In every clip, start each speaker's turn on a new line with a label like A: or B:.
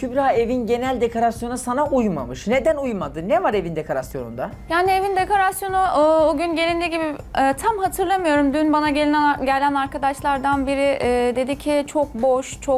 A: Kübra, evin genel dekorasyonu sana uymamış. Neden uymadı? Ne var evin dekorasyonunda?
B: Yani evin dekorasyonu o gün gelindiği gibi tam hatırlamıyorum. Dün bana gelen arkadaşlardan biri dedi ki çok boş, çok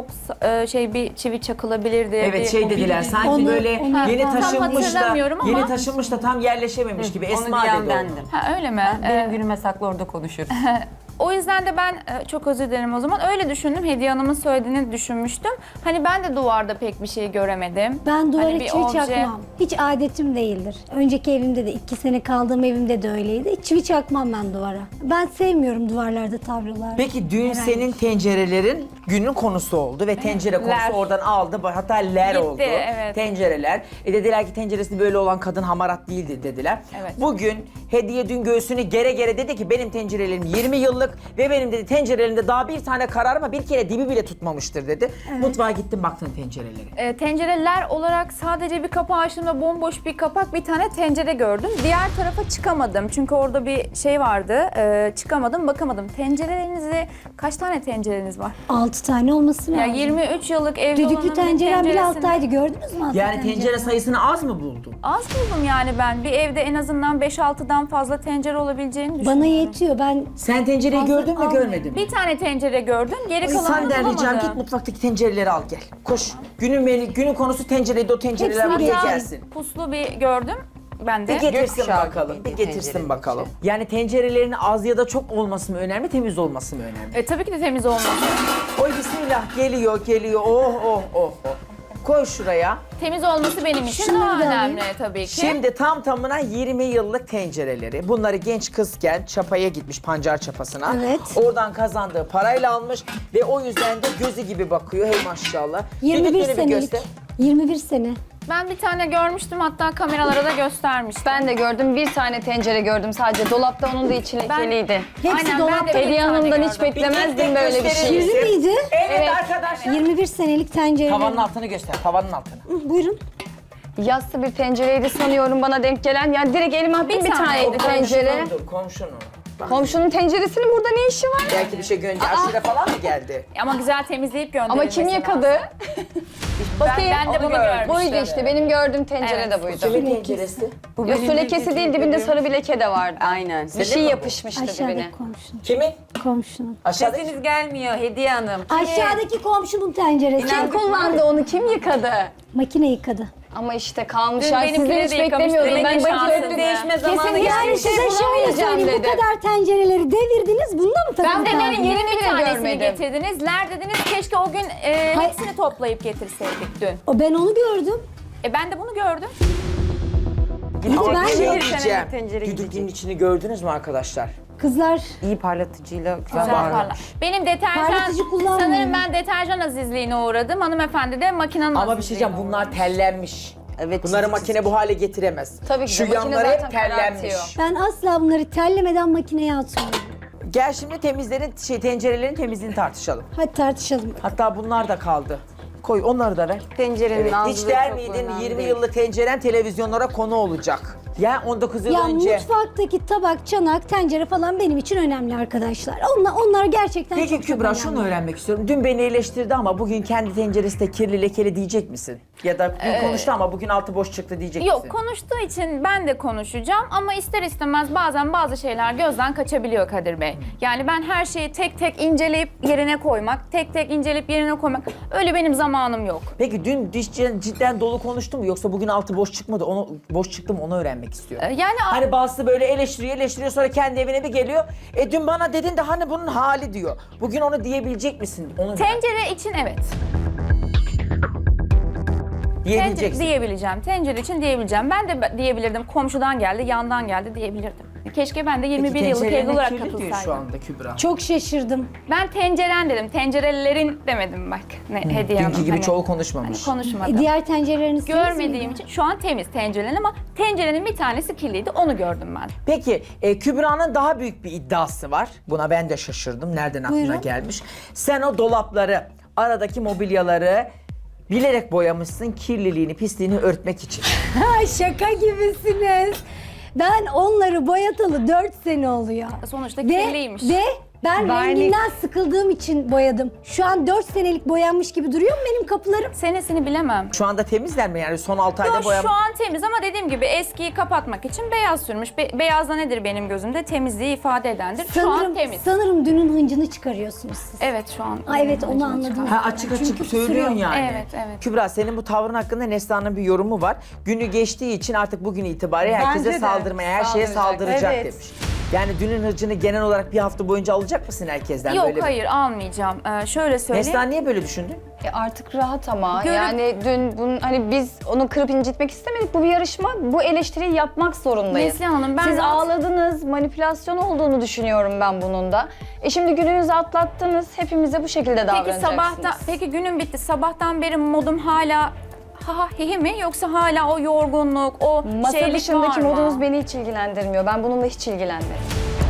B: bir çivi çakılabilirdi.
A: Evet, şey dediler sanki
C: Onu-
A: böyle
C: onu-
A: yeni
C: tam
A: taşınmış da
B: hatırlamıyorum ama-
A: yeni taşınmış da tam yerleşememiş gibi. Esma
D: diyen
A: dedi onu.
D: bendim.
B: Ha, öyle mi?
D: Benim günüme saklı orada konuşuruz.
B: O yüzden de ben çok özür dilerim o zaman. Öyle düşündüm. Hediye Hanım'ın söylediğini düşünmüştüm. Hani ben de duvarda pek bir şey göremedim.
C: Ben duvara
B: Hani bir
C: çivi
B: obje-
C: çakmam. Hiç adetim değildir. Önceki evimde de 2 sene kaldığım evimde de öyleydi. Hiç çivi çakmam ben duvara. Ben sevmiyorum duvarlarda tablolar.
A: Peki dün
C: Herhangi.
A: senin tencerelerin günün konusu oldu ve tencere konusu
B: Ler.
A: oradan aldı. Hatta ler
B: Gitti,
A: oldu.
B: evet.
A: Tencereler. Dediler ki tenceresi böyle olan kadın hamarat değildi dediler.
B: Evet.
A: Bugün Hediye dün göğsünü gere gere dedi ki benim tencerelerim 20 yıllık ve benim dedi tencerelerimde daha bir tane kararma bir kere dibi bile tutmamıştır dedi. Mutfağa gittim baktın tencerelere.
B: Tencereler olarak sadece bir kapağı açtığımda bomboş bir kapak, bir tane tencere gördüm. Diğer tarafa çıkamadım çünkü orada bir şey vardı. Çıkamadım, bakamadım. Tencerelerinizi, kaç tane tencereniz var?
C: 6 tane olması
B: Ya
C: lazım.
B: 23 yıllık evli olanın
C: Düdüklü
B: bir
C: tencerem bile
B: tenceresini-
C: alttaydı. Gördünüz mü altta
A: Yani tencere sayısını az mı buldun?
B: Az buldum yani ben. Bir evde en azından 5-6'dan fazla tencere olabileceğini düşünüyorum.
C: Bana yetiyor. Ben
A: Sen tencereyi
C: Fazla
A: gördün mü
C: almıyor.
A: görmedin mi?
B: Bir tane tencere gördüm, geri kalanını
A: Senden ricam
B: bulamadım.
A: git mutfaktaki tencereleri al gel. Koş. Günün konusu tencereydi, o tencereler
C: Hepsini
A: buraya
C: getir.
A: gelsin.
B: Puslu bir gördüm. Ben de.
A: Bir getirsin
D: Gökkuşağı
A: bakalım.
D: gibi
A: Bir
D: bir
A: getirsin
D: tencere
A: bakalım. Yani tencerelerin az ya da çok olması mı önemli, temiz olması mı önemli?
B: Tabii ki de temiz olmalı.
A: Oy bismillah geliyor. Oh. Koy şuraya.
B: Temiz olması benim için
C: Şunları
B: daha
C: da alayım.
B: önemli tabii ki.
A: Şimdi tam tamına 20 yıllık tencereleri. Bunları genç kızken çapaya gitmiş, pancar çapasına.
C: Evet.
A: Oradan kazandığı parayla almış ve o yüzden de gözü gibi bakıyor. Hey maşallah.
C: 21
A: Düdükleri bir
C: senelik.
A: göster.
C: 21 sene.
B: Ben bir tane görmüştüm, hatta kameralara da göstermiştim.
E: Ben de gördüm. Bir tane tencere gördüm sadece. Dolapta onun da içi lekeliydi.
C: Hepsi
B: Aynen, ben de
C: dolapta.
B: bir
E: Hediye
B: tane
E: Hanım'dan
B: gördüm.
E: hiç beklemezdim böyle bir şey.
A: gösterir
C: Kirli miydi?
A: Evet, arkadaşlar.
C: 21 senelik tencere.
A: Tavanın altını göster, tavanın altını.
C: Buyurun.
E: Yassı bir tencereydi sanıyorum bana denk gelen. Yani direkt elime attım bir taneydi tencere.
A: Komşunun. Bak,
E: Komşunun tenceresinin burada ne işi var?
A: belki bir şey gönderdi. Aşure falan mı geldi?
B: Ama güzel temizleyip
E: Ama
B: gönderilmesi
E: kim yıkadı? Bakayım.
B: Ben de bunu görmüştüm.
E: Buydu işte. Benim gördüğüm tencere
B: Evet.
E: de buydu.
A: Kimin tenceresi?
E: Ya su lekesi değil, dibinde sarı bir leke de vardı.
D: Aynen.
E: Bir
A: Senin
E: şey
A: mi bu?
E: yapışmıştı dibine.
C: Aşağıdaki komşunun.
A: Kimin?
C: Komşunun.
A: Aşağıdaki.
D: Sesiniz gelmiyor Hediye Hanım.
C: Aşağıdaki komşunun tenceresi.
E: Kim kullandı onu? Kim yıkadı?
C: Makine yıkadı.
E: Ama işte kalmış.
B: Dün
E: Ya
B: benimkini
E: sizden
B: de
E: hiç
B: yıkamıştı.
E: beklemiyordum. Ben
B: Demek ki
E: bakıyorum.
B: şanslı.
D: Değişme zamanı
E: Kesin
D: geldi.
E: yani
C: Size
E: şey
C: şöyle
E: bulamayacağım
C: söyleyeyim. Bu
E: dedim.
C: kadar tencereleri devirdiniz. Bunda mı takılı
B: Ben de
C: kaldınız?
B: benim 20
E: bile
B: tanesini
E: görmedim.
B: getirdiniz. Ler dediniz, keşke o gün hepsini toplayıp getirseydik dün.
C: Ben onu gördüm.
B: Ben de bunu gördüm.
A: Ama
C: ben
A: bir şey
C: de-
A: diyeceğim.
D: tencere
A: Düdüklünün içini gördünüz mü arkadaşlar?
C: Kızlar
D: İyi parlatıcıyla güzel
B: Güzel
D: parlamış.
B: parla. Benim deterjan,
C: Parlatıcı kullanmıyorum.
B: sanırım ben deterjan azizliğine uğradım. Hanımefendi de makinenin
A: Ama bir şey diyeceğim,
B: azizliğine
A: bunlar
B: uğramış.
A: tellenmiş.
D: Evet,
A: Bunları
D: çizik
A: makine bu hale getiremez.
E: Tabii ki de,
A: Şu
E: makine
A: yanları hep
E: zaten
A: tellenmiş.
E: karartıyor.
C: ben asla bunları tellemeden makineye atmıyorum.
A: Gel şimdi tencerelerin temizliğini tartışalım.
C: Hadi tartışalım.
A: Hatta bunlar da kaldı. Koy onları da ver.
D: Tencerenin
A: Evet,
D: ağzı
A: hiç
D: da
A: der
D: çok
A: miydin
D: önemli
A: 20
D: değil.
A: yıllık tenceren televizyonlara konu olacak? Ya 19 yıl
C: Ya
A: önce.
C: mutfaktaki tabak, çanak, tencere falan benim için önemli arkadaşlar. Onlar gerçekten
A: Peki
C: çok
A: Kübra,
C: önemli.
A: şunu öğrenmek istiyorum. Dün beni eleştirdi ama bugün kendi tenceresi de kirli lekeli diyecek misin? Ya da dün konuştu ama bugün altı boş çıktı diyecek misin?
B: Yok, konuştuğu için ben de konuşacağım ama ister istemez bazen bazı şeyler gözden kaçabiliyor Kadir Bey. Yani ben her şeyi tek tek inceleyip yerine koymak, tek tek inceleyip yerine koymak, öyle benim zamanım yok.
A: Peki dün cidden dolu konuştu mu yoksa bugün altı boş çıkmadı? Onu boş çıktı mı onu öğrenmek istiyorum.
B: Yani
A: Hani bazısı böyle eleştiriyor sonra kendi evine bir geliyor. Dün bana dedin de hani bunun hali diyor. Bugün onu diyebilecek misin? Onu
B: tencere için evet.
A: diyebileceksin.
B: Diyebileceğim. Tencere için diyebileceğim. Ben de diyebilirdim. Komşudan geldi, yandan geldi diyebilirdim. Keşke ben de 21 yıllık evli
A: tencerelerine
B: olarak
A: kirli diyor şu
B: katılsaydım.
A: anda Kübra.
C: Çok şaşırdım.
B: Ben tenceren dedim. Tencerelerin demedim bak. Hediye Hanım.
A: Dünkü gibi
B: Hani-
A: çoğu konuşmamış.
B: konuşmadım.
C: Diğer tencereleriniz temiz
B: Görmediğim
C: miydi?
B: için şu an temiz tencerenin ama tencerenin bir tanesi kirliydi. Onu gördüm ben.
A: Peki Kübra'nın daha büyük bir iddiası var. Buna ben de şaşırdım. Nereden aklına
C: Buyurun.
A: gelmiş? Sen o dolapları, aradaki mobilyaları bilerek boyamışsın kirliliğini, pisliğini örtmek için.
C: Ha, şaka gibisiniz. Ben onları boyatalı 4 sene oluyor.
B: Sonuçta
C: Ve,
B: kirliymiş.
C: ve Ben renginden sıkıldığım için boyadım. Şu an 4 senelik boyanmış gibi duruyor mu benim kapılarım?
B: Senesini bilemem.
A: Şu anda temizler mi yani son 6 ayda
B: Yok,
A: boyama?
B: şu an temiz ama dediğim gibi eskiyi kapatmak için beyaz sürmüş. Beyaz da nedir benim gözümde? Temizliği ifade edendir. Şu an temiz.
C: Sanırım dünün hıncını çıkarıyorsunuz siz.
B: Evet şu an.
C: Aa, evet onu anladım.
A: Ha, açık açık
C: Çünkü
A: söylüyorsun
C: kusuyor.
A: yani.
B: Evet, evet.
A: Kübra senin bu tavrın hakkında Neslihan'ın bir yorumu var. Günü geçtiği için artık bugün itibariyle herkese
F: Bence de.
A: saldırmaya, her şeye
D: Saldıracak,
A: saldıracak
F: evet.
A: demiş. Yani dünün hırcını genel olarak bir hafta boyunca alacak mısın herkesten?
B: Yok
A: böyle
B: hayır almayacağım. Şöyle söyleyeyim.
A: Neslihan niye böyle düşündün?
E: Artık rahat ama
B: Görüp-
E: yani dün bunun hani biz onu kırıp incitmek istemedik. Bu bir yarışma. Bu eleştiriyi yapmak zorundayız.
B: Neslihan Hanım, ben
E: Siz
B: rahat-
E: ağladınız. Manipülasyon olduğunu düşünüyorum ben bunun da. Şimdi gününüzü atlattınız. Hepimize bu şekilde
B: Peki
E: davranacaksınız.
B: peki günüm bitti. Sabahtan beri modum hala ha hihi mi yoksa hala o yorgunluk, o
E: Masa
B: şeylik
E: dışındaki
B: var mı?
E: modunuz beni hiç ilgilendirmiyor. Ben bununla hiç ilgilenmiyorum.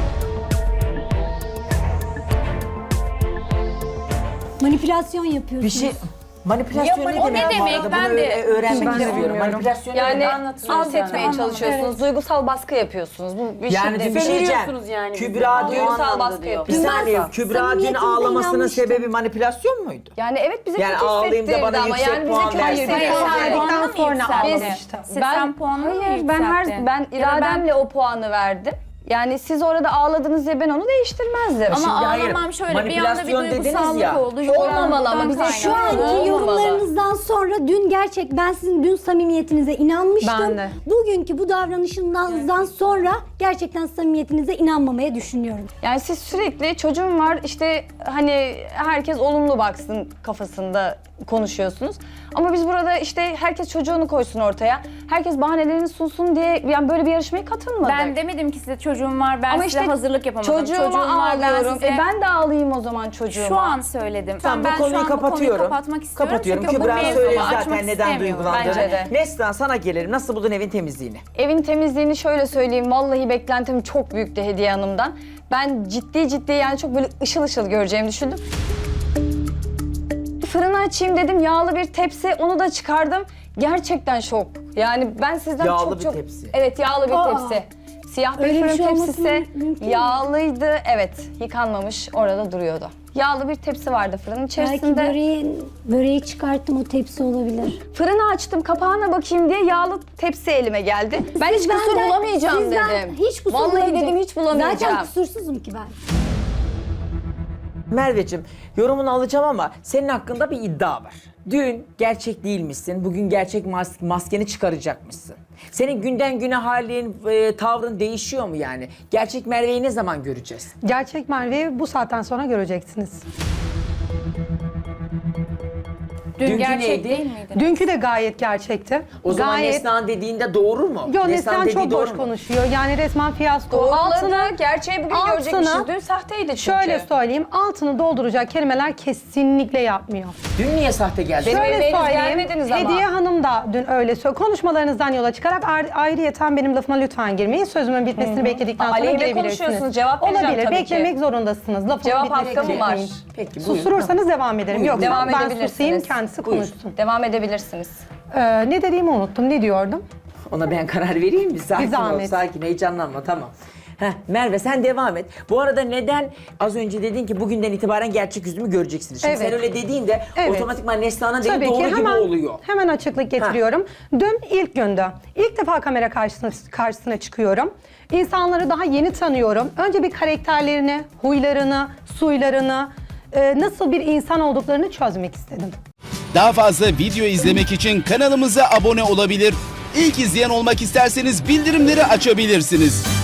C: Manipülasyon
A: Bir
C: yapıyorsunuz.
A: şey... Manipülasyon
B: Ya,
A: ne
B: o
A: demek?
B: ne
A: bu
B: demek?
A: arada?
B: Ben
A: Bunu
B: de-
A: öğrenmek
F: Ben de
A: istiyorum.
F: bilmiyorum.
A: Manipülasyon ne
E: Yani
A: demek?
E: alt etmeye çalışıyorsunuz. Duygusal baskı yapıyorsunuz. Bu bir
A: Yani
E: şiddet.
A: bir şey diyeceğim.
D: Söylüyorsunuz yani bize.
A: Kübra dün...
E: Duygusal baskı
A: Bir
E: yapıyorsunuz.
A: saniye, Kübra dün
C: samimiyetinize
A: ağlamasının
C: inanmıştım.
A: sebebi manipülasyon muydu?
E: Yani evet bize
A: Yani
E: kötü
A: ağlayayım da
E: hissettirdi
A: bana
E: ama
A: yüksek
E: yani bize
A: puan
E: kötü
A: versin.
E: hissettirdi.
F: Verdikten sonra ağlamıştı.
B: Sen puanını mı yükselttin?
E: Ben
B: Ya da
E: irademle o puanı verdim. Yani siz orada ağladınız diye ben onu değiştirmezdim.
B: Ama
A: Şimdi hayır,
B: ağlamam şöyle bir anda bir
A: manipülasyon dediniz
B: duygusallık
A: ya.
B: oldu.
E: Olmamalı ama bize
C: Şu anki yorumlarınızdan sonra dün ben sizin dün samimiyetinize inanmıştım.
F: Ben de.
C: Bugünkü bu davranışınızdan sonra gerçekten samimiyetinize inanmamaya düşünüyorum.
E: Yani siz sürekli çocuğum var işte hani herkes olumlu baksın kafasında konuşuyorsunuz. Ama biz burada işte herkes çocuğunu koysun ortaya. Herkes bahanelerini sunsun diye yani böyle bir yarışmaya katılmadık.
B: Ben demedim ki size çocuğum var, ben
E: Ama
B: size
E: işte
B: hazırlık yapamadım.
E: çocuğuma
B: var,
E: ağlıyorum.
B: size...
E: Ben de ağlayayım o zaman çocuğuma.
B: Şu an söyledim.
A: Tamam,
B: ben
A: bu konuyu
B: şu an
A: kapatıyorum.
B: Bu konuyu kapatmak istiyorum.
A: Kapatıyorum.
B: Çünkü bu
A: Kübra
B: mevzuyu
A: söyledi
B: açmak
A: zaten neden
B: istemiyorum.
A: duygulandığını.
E: Bence de.
A: Neslihan sana gelelim. Nasıl buldun evin temizliğini?
E: Evin temizliğini şöyle söyleyeyim. Vallahi beklentim çok büyüktü Hediye Hanım'dan. Ben ciddi yani çok böyle ışıl ışıl göreceğimi düşündüm. Fırını açayım dedim. Yağlı bir tepsi. Onu da çıkardım. Gerçekten şok. Yani ben sizden
A: Yağlı
E: çok
A: bir
E: çok...
A: tepsi.
E: Evet yağlı bir
C: Aa.
E: tepsi. Siyah bir
C: Öyle bir
E: fırın
C: şey olması
E: tepsisi.
C: mümkün mü?
E: Yağlıydı. Evet yıkanmamış. Orada duruyordu. Yağlı bir tepsi vardı fırının
C: Belki
E: içerisinde.
C: böreği çıkarttım o tepsi olabilir.
E: Fırını açtım kapağına bakayım diye yağlı tepsi elime geldi. Ben hiç kusur bulamayacağım
C: sizden
E: dedim.
C: Hiç kusur
E: Vallahi
C: bulamayacağım.
E: dedim hiç bulamayacağım.
C: Zaten kusursuzum ki ben.
A: Merveciğim yorumunu alacağım ama senin hakkında bir iddia var. Dün gerçek değilmişsin, bugün gerçek maskeni çıkaracakmışsın. Senin günden güne halin, tavrın değişiyor mu yani? Gerçek Merve'yi ne zaman göreceğiz?
F: Gerçek Merve'yi bu saatten sonra göreceksiniz.
B: Dün
A: Dünkü
B: gerçek
A: neydi?
B: değil miydi?
F: Dünkü de gayet gerçekti.
A: O zaman
F: Gayet...
A: Neslihan dediğinde doğru mu?
F: Yo Neslihan
A: dediği
F: çok
A: doğru
F: boş
A: mu?
F: konuşuyor. Yani resmen fiyasko.
E: Doğruladı. Gerçeği bugün
F: altını-
E: görecekmişiz. Dün sahteydi çünkü.
F: Şöyle söyleyeyim, altını dolduracak kelimeler kesinlikle yapmıyor.
A: Dün niye sahte geldi?
E: Benim
F: Şöyle
E: evime henüz
F: söyleyeyim,
E: gelmediniz ama.
F: Hediye Hanım da dün öyle söyledi. Konuşmalarınızdan yola çıkarak ayrıyeten benim lafıma lütfen girmeyin. Sözümün bitmesini bekledikten sonra
E: Aleyhine
F: girebilirsiniz.
E: konuşuyorsunuz, cevap vereceğim
F: Olabilir,
E: tabii ki.
F: beklemek zorundasınız. Lafımın
E: Cevap
F: bitmesini
E: hakkım var.
F: bekleyin.
A: Peki buyurun.
F: Susturursanız devam ederim.
A: Buyurun.
F: Yoksa
E: Devam
F: ben
E: edebilirsiniz.
F: susayım, kendisi
A: Buyur.
F: konuşsun.
E: Devam edebilirsiniz.
F: Ne dediğimi unuttum. Ne diyordum?
A: Ona ben karar vereyim mi? Sakin ol,
F: zahmet.
A: sakin, heyecanlanma, tamam. Heh, Merve sen devam et. Bu arada neden az önce dedin ki bugünden itibaren gerçek yüzümü göreceksiniz. Şimdi
F: Evet.
A: sen öyle dediğinde
F: Evet.
A: otomatikman Neslihan'ın dediği
F: Tabii
A: doğru
F: ki
A: gibi
F: hemen,
A: oluyor.
F: hemen açıklık getiriyorum. Dün ilk gündü. İlk defa kamera karşısına çıkıyorum. İnsanları daha yeni tanıyorum. Önce bir karakterlerini, huylarını, suylarını, nasıl bir insan olduklarını çözmek istedim.
G: Daha fazla video izlemek için kanalımıza abone olabilir. İlk izleyen olmak isterseniz bildirimleri açabilirsiniz.